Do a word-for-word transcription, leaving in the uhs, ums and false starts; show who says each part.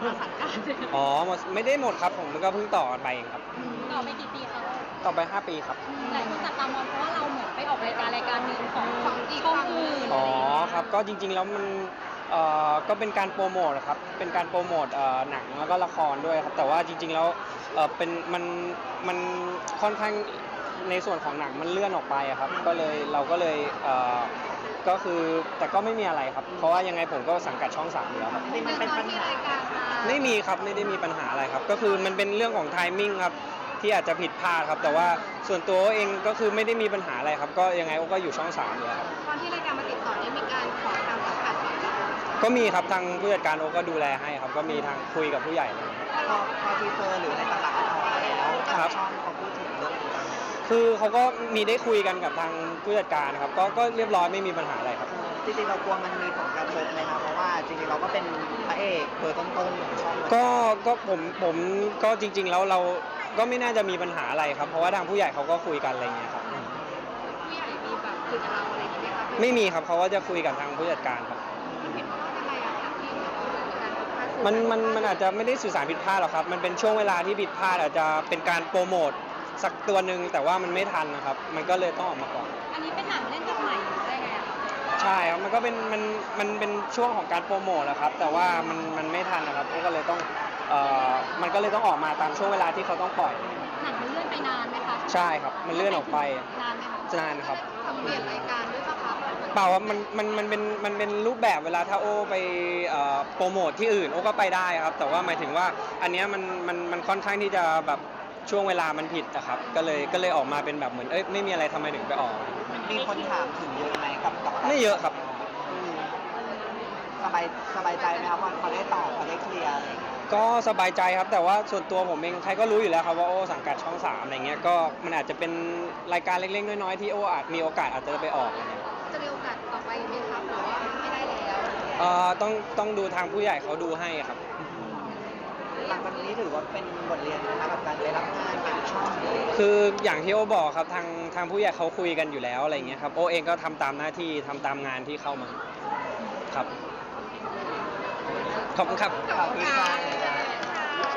Speaker 1: มาสังกัด
Speaker 2: อ๋อไม่ได้หมดครับผมก็เพิ่งต่อกันไปเองครับ
Speaker 1: ต่อไปกี่ปีคะ
Speaker 2: ต่อไปห้าปีครับ
Speaker 1: หลายคนจับตามองเพราะว่าเราเหมือนไปออกรายการรายการหนึ่งของของอีกช่องอื่น
Speaker 2: อ๋อครับก็จริงๆแล้วมันเอ่อก็เป็นการโปรโมทครับเป็นการโปรโมทเอ่อหนังแล้วก็ละครด้วยครับแต่ว่าจริงๆแล้วเอ่อเป็นมันมันค่อนข้างในส่วนของหนังมันเลื่อนออกไปอะครับก็เลยเราก็เลยเอ่อก็คือแต่ก็ไม่มีอะไรครับเพราะว่ายังไงผมก็สังกัดช่องสามอยู่แล้วครับ
Speaker 1: จริงมันเป็นปัญหา
Speaker 2: ไม่มีครับไม่ได้มีปัญหาอะไรครับก็คือมันเป็นเรื่องของไทมิ่งครับที่อาจจะผิดพลาดครับแต่ว่าส่วนตัวเองก็คือไม่ได้มีปัญหาอะไรครับก็ยังไงก็อยู่ช่องสามอยู่แล้วครับ
Speaker 1: ตอนที่รายการมาติดต่อนี่มีการขอทางสังกัดก่อนไหม
Speaker 2: ก็มีครับทางผู้จัดการโอก็ดูแลให้ครับก็มีทางคุยกับผู้ใหญ่เลย
Speaker 3: พอพอทีเซอร์หรืออะไรต่างๆออกมาแล้ว
Speaker 2: ครับ
Speaker 3: ช่องเขาพูดถึงเรื่องนี้
Speaker 2: คือเขาก็มีได้คุยกันกับทางผู้จัดการครับก็ก็เรียบร้อยไม่มีปัญหาอะไรครับ
Speaker 3: จริงๆเรากลัวมันมีผลกระทบไหมครับเพราะว่าจริงๆเราก็เป็นพระเอกเบอร์ต้นๆของช่อง
Speaker 2: ก็ก็ผมผมก็จริงๆแล้วเราก็ไม่น่าจะมีปัญหาอะไรครับเพราะว่าทางผู้ใหญ่เขาก็คุยกันอะไรเงี้ยครับ
Speaker 1: ผู้ใหญ่มีแบบคุยกับเราอะไรอย่างเงี้ยครับ
Speaker 2: ไม่มีครับเขาก็จะคุยกับทางผู้จัดการครับ
Speaker 1: มันเห็นว่าอะไรอะคะที่เรามีการผิดพลาด
Speaker 2: มันมันมันอาจจะไม่ได้สื่อสารผิดพลาดหรอกครับมันเป็นช่วงเวลาที่ผิดพลาดอาจจะเป็นการโปรโมทสักตัวหนึ่งแต่ว่ามันไม่ทันนะครับมันก็เลยต้องออกมาก่อน
Speaker 1: อันนี้เป็นหนังเล่นกับใหม่หรือได้ไงอะคะ
Speaker 2: ใช่ครับมันก็เป็นมันมันเป็นช่วงของการโปรโมทแหละครับแต่ว่ามันมันไม่ทันนะครับก็เลยต้องเอ่อมันก็เลยต้องออกมาตามช่วงเวลาที่เขาต้องปล่อย
Speaker 1: หนังมันเลื่อนไปนานไหมคะ
Speaker 2: ใช่ครับมันเลื่อนออกไป
Speaker 1: นานไหมคะ
Speaker 2: นานครับ
Speaker 1: ทำเปลี่ยนรายการด้วยป่ะคะ
Speaker 2: เปล่าครับมันมันมันเป็นมันเป็นรูปแบบเวลาถ้าโอไปเอ่อโปรโมทที่อื่นโอก็ไปได้ครับแต่ว่าหมายถึงว่าอันเนี้ยมันมันมันค่อนข้างที่จะแบบช่วงเวลามันผิดนะครับก็เลยก็เลยออกมาเป็นแบบเหมือนเอ้ยไม่มีอะไรทำไมถึงไปออก
Speaker 3: มีคนถามถึงเยอะไหมกับกับ
Speaker 2: ไม่เยอะครับ
Speaker 3: สบายสบายใจไหมครับว่าเขาได้ตอบเขาได้เคลียร์อะไร
Speaker 2: ก็สบายใจครับแต่ว่าส่วนตัวผมเองใครก็รู้อยู่แล้วครับว่าโอสังกัดช่องสามอะไรเงี้ยก็มันอาจจะเป็นรายการเล็กๆน้อยๆที่โออาจมีโอกาสอาจจะไปออกอะไรเงี้ย
Speaker 1: จะมีโอกาสต่อไปไหมครับหรือว่าไม่ได้แล้ว
Speaker 2: เอ่อต้องต้องดูทางผู้ใหญ่เขาดูให้ครับ
Speaker 3: หลังจากนี้ถือว่าเป็นบทเรียนนะครับกับการไปรับงานเป็นช่อง
Speaker 2: คืออย่างที่โอบอกครับทางทางผู้ใหญ่เขาคุยกันอยู่แล้วอะไรเงี้ยครับโอเองก็ทำตามหน้าที่ทำตามงานที่เข้ามาครับขอบคุณครับ
Speaker 3: ขอบคุณค่ะ